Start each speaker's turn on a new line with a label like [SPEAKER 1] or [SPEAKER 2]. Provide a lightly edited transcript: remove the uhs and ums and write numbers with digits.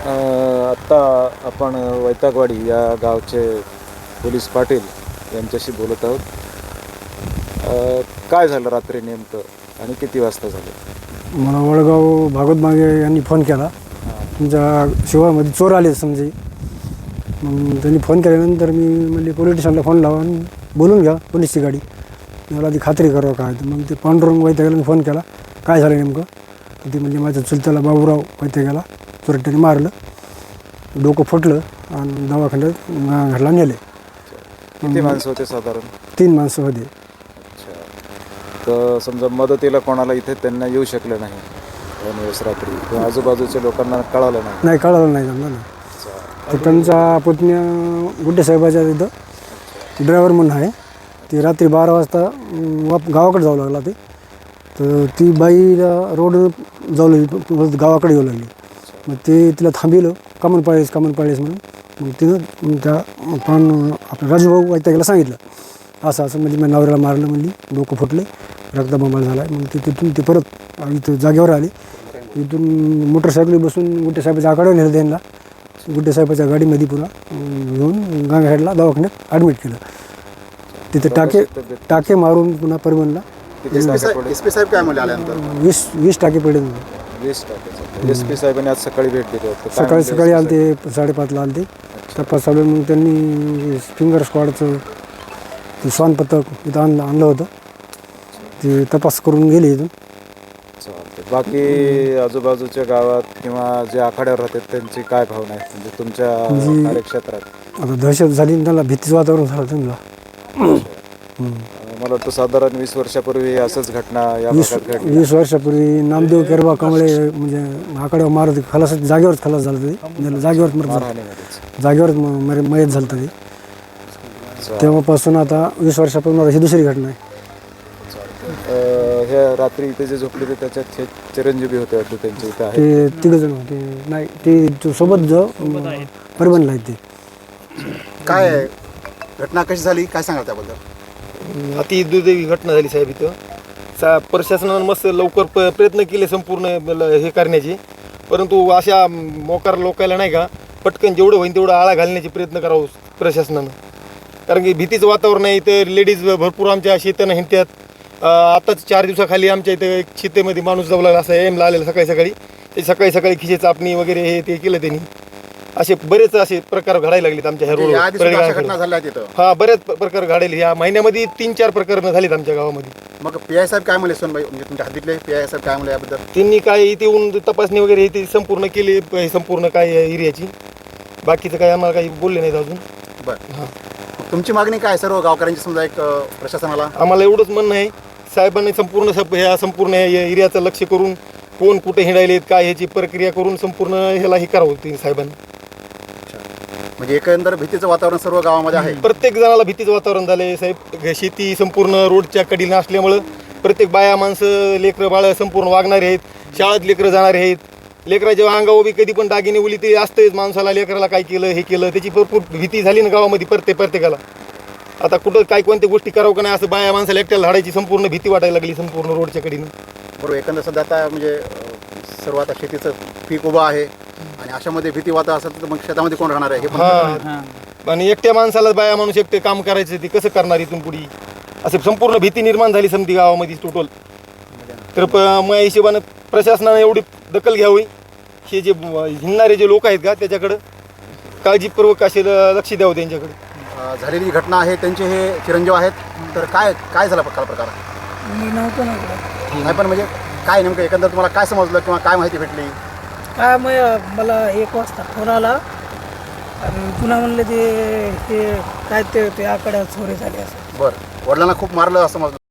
[SPEAKER 1] आत्ता आपण वैतागवाडी या गावचे पोलीस पाटील यांच्याशी बोलत आहोत. काय झालं रात्री नेमकं आणि किती वाजता झालं?
[SPEAKER 2] मला वडगाव भागवत मागे यांनी फोन केला. तुमच्या शिवामध्ये चोर आले समजे. मग त्यांनी फोन केल्यानंतर मी म्हणजे पोलीस स्टेशनला फोन लावा आणि बोलून घ्या पोलीसची गाडी, मला ती खात्री करावं काय. तर मग ते पांडुरंग वैताग्याला फोन केला, काय झालं नेमकं. तर ते म्हणजे माझ्या चुलत्याला बाबूराव वैताग्याला चोरट्याने मारलं, डोकं फुटलं आणि दवाखान्यात घरला नेले.
[SPEAKER 1] किती माणसं होते साधारण?
[SPEAKER 2] 3 माणसं होते.
[SPEAKER 1] अच्छा. तर समजा मदतीला कोणाला इथे त्यांना येऊ शकलं नाही दोन दिवस रात्री, किंवा आजूबाजूच्या लोकांना कळालं नाही?
[SPEAKER 2] कळालं नाही जमलं ना. तर त्यांचा पुतण्या गुड्डे साहेबाच्या तिथं ड्रायव्हर म्हणून आहे. ते रात्री 12 वाजता गावाकडे जाऊ लागला. ते तर ती बाईला रोड जाऊ लागली, गावाकडे येऊ लागली. मग ते तिला थांबिलं, कामन पाळीस म्हणून. मग तिनं त्या आपलं राजूभाऊ वैताग्याला सांगितलं, असं असं म्हणजे माझ्या नवऱ्याला मारलं, म्हणली डोकं फुटले, रक्तबंबाळ झाला आहे. मग तिथून ते परत इथं जागेवर आले. इथून मोटरसायकली बसून गुड्डे साहेबाच्या आकडे नेलं त्यांना. गुड्डे साहेबाच्या गाडीमध्ये पुन्हा घेऊन गांगहेडला दवाखान्यात ॲडमिट केलं. तिथे टाके मारून पुन्हा परभणला.
[SPEAKER 3] एसपी साहेब काय म्हणले आल्यानंतर?
[SPEAKER 2] 20 टाके पडले.
[SPEAKER 1] 20 टाके. एसपी साहेबांनी आज सकाळी भेट दिली होती.
[SPEAKER 2] सकाळी आले ते 5:30ला आले ते. तपास चालू. मग त्यांनी फिंगर स्क्वॉडचं ते श्वान पथक इथं आणलं होतं. ते तपास करून गेले इथून.
[SPEAKER 1] बाकी आजूबाजूच्या गावात किंवा जे आखाड्यावर राहतात त्यांची काय भावना आहे, म्हणजे तुमच्या कार्यक्षेत्रात?
[SPEAKER 2] आता दहशत झाली, त्यांना भीतीचं वातावरण झालं त्यांना.
[SPEAKER 1] मला वाटतं साधारण 20 वर्षापूर्वी असंच घटना या भागात घडली.
[SPEAKER 2] 20 वर्षापूर्वी नामदेव केरबा कमळे म्हणजे आकड्यावर मारत खलास, जागेवरच खलास झालं. ते जागेवर मयत झालं ते. तेव्हापासून आता 20 वर्षापासून ही दुसरी घटना आहे.
[SPEAKER 1] ह्या रात्री इथे जे झोपले होते त्याच्यात चिरंजीवी होते वाटतं त्यांच्या इथे आहे.
[SPEAKER 2] ते 3 जण होते. नाही, ते सोबत परभणला आहे. ते
[SPEAKER 3] काय घटना कशी झाली, काय सांगाल त्याबद्दल?
[SPEAKER 4] अति दुर्दैवी घटना झाली साहेब. इथं प्रशासनानं मस्त लवकर प्रयत्न केले संपूर्ण हे करण्याचे, परंतु अशा मोकार लोकायला नाही का पटकन जेवढं होईल तेवढं आळा घालण्याचे प्रयत्न करावं प्रशासनानं. कारण की भीतीचं वातावरण आहे. तर लेडीज भरपूर आमच्या शेतानं हिंडतात. आताच 4 दिवसाखाली आमच्या इथं एक शेतेमध्ये माणूस जाऊ लागला, असं एमला आलेला सकाळी. ते सकाळी खिशे चापणी वगैरे हे ते केलं त्यांनी. असे बरेच असे प्रकार घडायला लागलेत आमच्या ह्या रोड. हा, बरेच प्रकार घडायले. ह्या महिन्यामध्ये 3-4 प्रकरणं झालीत आमच्या गावामध्ये.
[SPEAKER 3] मग PI साहेब काय म्हणले सोनबाई, म्हणजे तुमच्या हद्दीतले PI साहेब काय म्हणले याबद्दल?
[SPEAKER 4] त्यांनी काय इथे येऊन तपासणी वगैरे हे ते संपूर्ण केली, संपूर्ण काय एरियाची. बाकीचं काय आम्हाला काही बोलले नाहीत अजून.
[SPEAKER 3] बरं. हां, तुमची मागणी काय सर्व गावकऱ्यांची, समजा एक प्रशासनाला?
[SPEAKER 4] आम्हाला एवढंच म्हणणं आहे, साहेबांनी संपूर्ण एरियाचं लक्ष करून कोण कुठे हिंडायलेत काय ह्याची प्रक्रिया करून संपूर्ण ह्याला हे करावं ते साहेबांनी.
[SPEAKER 3] म्हणजे एकंदर भीतीचं वातावरण सर्व गावामध्ये आहे.
[SPEAKER 4] प्रत्येक जणाला भीतीचं वातावरण झालंय साहेब. शेती संपूर्ण रोडच्या कडीला असल्यामुळं प्रत्येक बाया माणसं लेकरं बाळं संपूर्ण वागणारे आहेत. शाळेत लेकरं जाणारे आहेत. लेकराच्या अंगावर कधी पण दागिने उली ते असतेच. माणसाला लेकराला काय केलं हे केलं त्याची भरपूर भीती झाली ना गावामध्ये प्रत्येकाला. आता कुठं काय कोणत्या गोष्टी करावं का नाही असं बाया माणसाला एकट्याला झाडायची संपूर्ण भीती वाटायला लागली संपूर्ण रोडच्या कडीनं.
[SPEAKER 3] बरोबर. एकंदर सध्या आता म्हणजे सर्व आता शेतीचं पीक उभं आहे आणि अशामध्ये भीती वाता असेल तर मग शेतामध्ये कोण राहणार आहे हे पण.
[SPEAKER 4] आणि एकट्या माणसाला बाया माणूस एकटे काम करायचं ते कसं करणार इथून पुढे, असं संपूर्ण भीती निर्माण झाली समती गावामध्ये टोटल. तर मग हिशोबानं प्रशासनानं एवढी दखल घ्यावी, हे जे हिंडणारे जे लोक आहेत का त्याच्याकडं काळजीपूर्वक असे लक्ष द्यावं त्यांच्याकडे.
[SPEAKER 3] झालेली घटना आहे त्यांचे हे चिरंजीव आहेत. तर काय झाला प्रकार? नाही पण म्हणजे काय नेमकं एकंदर तुम्हाला काय समजलं किंवा काय माहिती भेटली?
[SPEAKER 5] काय मला 1 वाजता फोन आला आणि पुन्हा म्हणलं ते काय ते आकड्या चोरी झाली असं.
[SPEAKER 3] बरं. वडिलांना खूप मारलं असं समजलं?